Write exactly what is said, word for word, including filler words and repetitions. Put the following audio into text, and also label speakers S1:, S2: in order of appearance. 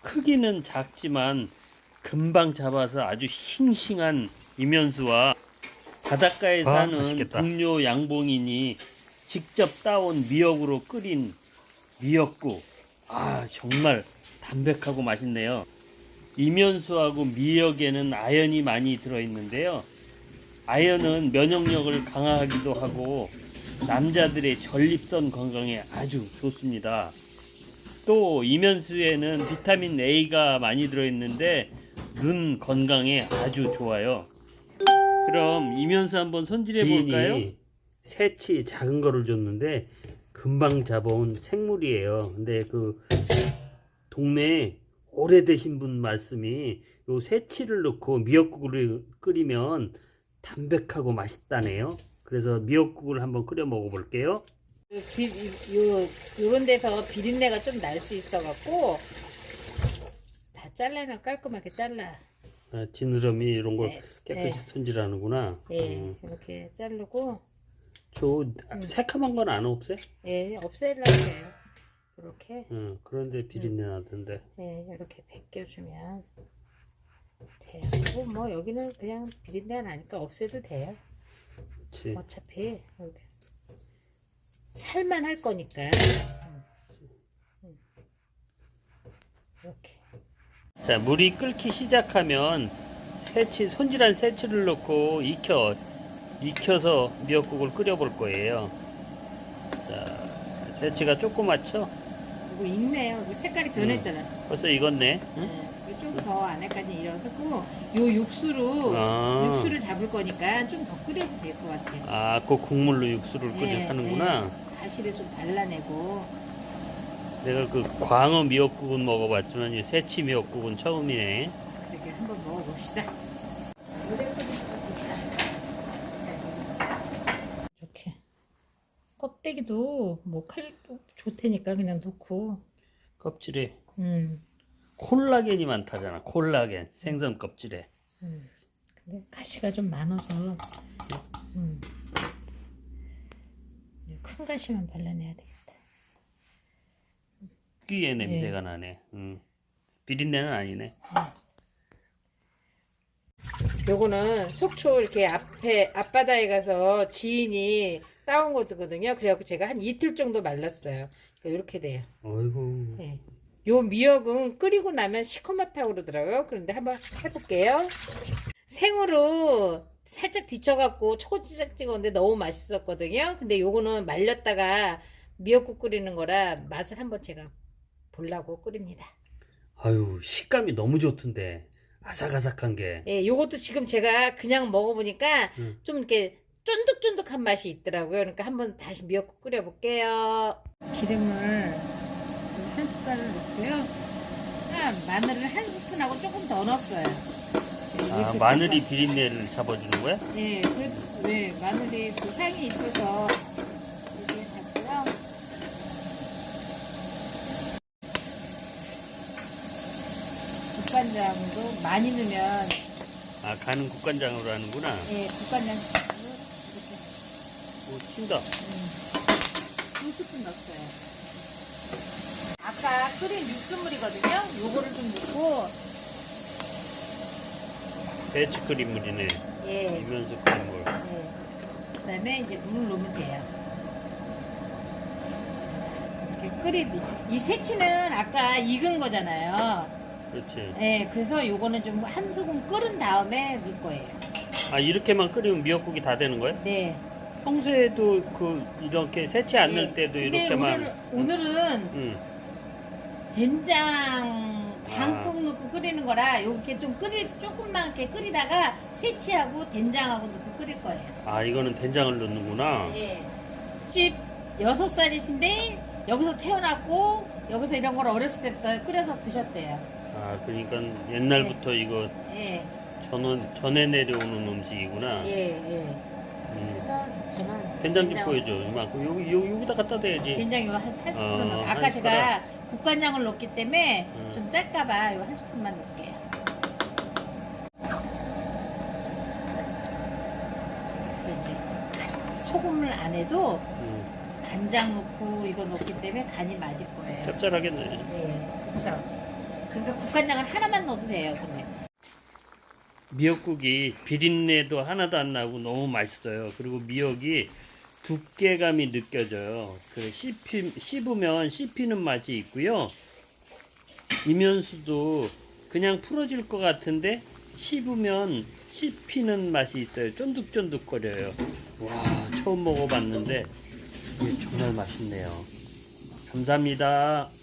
S1: 크기는 작지만 금방 잡아서 아주 싱싱한 이면수와 바닷가에
S2: 아,
S1: 사는
S2: 맛있겠다.
S1: 동료 양봉인이 직접 따온 미역으로 끓인 미역국. 아, 정말 담백하고 맛있네요. 이면수하고 미역에는 아연이 많이 들어있는데요. 아연은 면역력을 강화하기도 하고 남자들의 전립선 건강에 아주 좋습니다. 또 이면수에는 비타민 A가 많이 들어있는데 눈 건강에 아주 좋아요. 그럼 이면수 한번 손질해 볼까요?
S2: 지인이 새치 작은 거를 줬는데 금방 잡아온 생물이에요. 근데 그 동네에 오래되신 분 말씀이 요 새치를 넣고 미역국을 끓이면 담백하고 맛있다네요. 그래서 미역국을 한번 끓여 먹어볼게요.
S3: 비, 요, 요런 데서 비린내가 좀 날 수 있어갖고, 다 잘라놔, 깔끔하게 잘라.
S2: 아, 지느러미 이런 걸
S3: 네,
S2: 깨끗이
S3: 네.
S2: 손질하는구나.
S3: 예,
S2: 음.
S3: 이렇게 자르고,
S2: 저 새카만 건 안 없애?
S3: 예, 없애려고 해요. 이렇게,
S2: 응, 그런데 비린내 나던데.
S3: 예, 이렇게 벗겨주면 돼요. 그리고 뭐, 여기는 그냥 비린내가 나니까 없애도 돼요.
S2: 그치.
S3: 어차피, 이렇게. 살만 할 거니까. 이렇게.
S1: 자, 물이 끓기 시작하면 새치, 손질한 새치를 넣고 익혀, 익혀서 미역국을 끓여 볼 거예요. 자, 새치가 조그맣죠?
S3: 이거 익네요. 이거 색깔이 변했잖아.
S1: 벌써 익었네. 응?
S3: 네, 좀 더 안에까지 익어서고 요 육수로
S1: 아.
S3: 육수를 잡을 거니까 좀 더 끓여도 될 것 같아요.
S1: 아, 그 국물로 육수를 끓여
S3: 네,
S1: 하는구나.
S3: 네. 가시를 좀 발라내고.
S1: 내가 그 광어 미역국은 먹어봤지만 이 새치 미역국은 처음이네.
S3: 그렇게 한번 먹어봅시다. 이렇게 껍데기도 뭐 칼도 좋다니까 그냥 넣고.
S1: 껍질에
S3: 음,
S1: 콜라겐이 많다잖아. 콜라겐 생선 껍질에.
S3: 음. 근데 가시가 좀 많아서 음. 큰 가시만 발라내야 되겠다.
S1: 특유의 냄새가 나네. 음. 비린내는 아니네.
S3: 요거는 속초 이렇게 앞에 앞바다에 가서 지인이 따온 거거든요. 그래갖고 제가 한 이틀 정도 말랐어요. 이렇게 돼요.
S2: 어이구.
S3: 네. 요 미역은 끓이고 나면 시커멓다고 그러더라고요. 그런데 한번 해볼게요. 생으로 살짝 데쳐갖고 초고추장 찍었는데 너무 맛있었거든요. 근데 요거는 말렸다가 미역국 끓이는 거라 맛을 한번 제가 보려고 끓입니다.
S2: 아유, 식감이 너무 좋던데. 아삭아삭한 게.
S3: 예, 요것도 지금 제가 그냥 먹어보니까
S2: 음.
S3: 좀 이렇게 쫀득쫀득한 맛이 있더라고요. 그러니까 한번 다시 미역국 끓여볼게요. 기름을 한 숟갈을 넣고요. 아, 마늘을 한 스푼하고 조금 더 넣었어요.
S1: 아,
S3: 이렇게
S1: 마늘이
S3: 해서.
S1: 비린내를 잡아주는 거야?
S3: 예, 그, 네, 마늘이 그 향이 있어서 이렇게 했고요. 국간장도 많이 넣으면
S1: 아, 간은 국간장으로 하는구나.
S3: 예, 국간장 이렇게
S1: 오, 튄다.
S3: 두 스푼 넣었어요. 아까 끓인 육수물이거든요. 요거를 좀 넣고
S1: 배치 끓인 물이네.
S3: 예,
S1: 이면수 끓인 물.
S3: 예. 그다음에 이제 물을 넣으면 돼요. 이렇게 끓이 이 새치는 아까 익은 거잖아요.
S1: 그렇지.
S3: 예, 그래서 요거는 좀 한 소금 끓은 다음에 넣을 거예요.
S1: 아, 이렇게만 끓이면 미역국이 다 되는 거야?
S3: 네.
S1: 평소에도 그 이렇게 새치 안 넣을 때도
S3: 예. 근데
S1: 이렇게만.
S3: 오늘, 오늘은
S1: 응.
S3: 된장 장국
S1: 아.
S3: 넣고 끓이는 거라 이렇게 좀 끓일 조금만 이렇게 끓이다가 새치하고 된장하고 넣고 끓일 거예요.
S1: 아, 이거는 된장을 넣는구나.
S3: 예. 집 여섯 살이신데 여기서 태어났고 여기서 이런 걸 어렸을 때부터 끓여서 드셨대요.
S1: 아, 그러니까 옛날부터 이거
S3: 예.
S1: 전원, 전해 내려오는 음식이구나.
S3: 예, 예.
S1: 음.
S3: 그래서 저는
S1: 된장 좀 보여줘. 이만큼 여기 여기 여기다 갖다 대야지.
S3: 된장 요한 한 스푼
S1: 어,
S3: 넣고
S1: 한
S3: 아까
S1: 숟가락.
S3: 제가 국간장을 넣기 때문에
S1: 음.
S3: 좀 짤까봐 요 한 스푼만 넣을게요. 그래서 이제 소금을 안 해도
S1: 음,
S3: 간장 넣고 이거 넣기 때문에 간이 맞을 거예요.
S1: 짭짤하겠네.
S3: 네, 그렇죠. 그러니까 국간장을 하나만 넣어도 돼요. 근데
S1: 미역국이 비린내도 하나도 안 나고 너무 맛있어요. 그리고 미역이 두께감이 느껴져요. 그 씹히, 씹으면 씹히는 맛이 있고요. 이면수도 그냥 풀어질 것 같은데 씹으면 씹히는 맛이 있어요. 쫀득쫀득거려요. 와, 처음 먹어봤는데 이게 정말 맛있네요. 감사합니다.